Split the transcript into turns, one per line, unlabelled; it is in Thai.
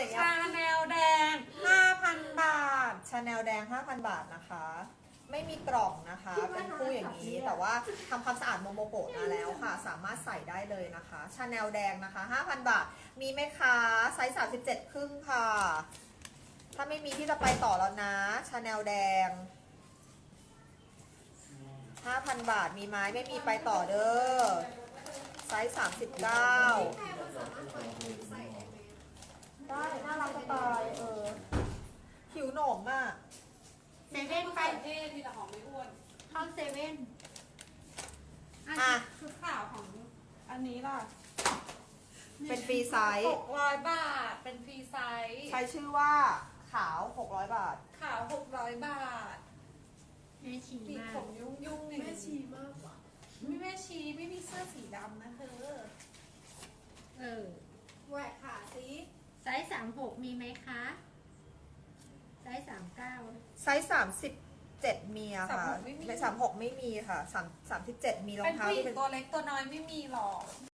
อย่างเงี้ย
ชาแนลแดง
5,000 บาท ชาแนลแดง 5,000 บาทนะคะ ไม่มีกล่องนะคะ เป็นคู่อย่างนี้ แต่ว่าทำความสะอาดโมโมโกะมาแล้วค่ะ สามารถใส่ได้เลยนะคะ ชาแนลแดงนะคะ 5,000 บาท มีไหมคะไซส์37 ครึ่งค่ะ ถ้าไม่มีที่จะไปต่อแล้วนะ ชาแนลแดง 5,000 บาท มีไหมไม่มีไปต่อเด้อ ไซส์39 ได้ น่ารักจะตายหิวหนมอ่ะ
เซเว่นไปเท่มีแต่ของไม่อ้วน
เข้าเซเว่น
อ่ะ
ชุดขาวของอันนี้ล่ะ
เป็นฟรีไซส์
600 บาท เป็นฟรีไซส์
ใช้ชื่อว่าขาว 600 บาท
ขาว 600 บาท
แม่ชี
ปีก
มาก
ผมยุ่งๆอย่าง
แม่
นี้
ชีมากกว่า
ไม่แม่ชีไม่มีเสื้อสีดำนะเธอ
แหวกขาสิ
ไซส์36มีไหมคะไซส์39
ไซส์37 มีอะค่ะ
36ไม่มี
36 ไม่มีค่ะ37 มีรอ
เป็
ง
น
เท้า
ผู้หญิ
ที่
ง
เป็น
ตัวเล็กตัวน้อยไม่มีหรอก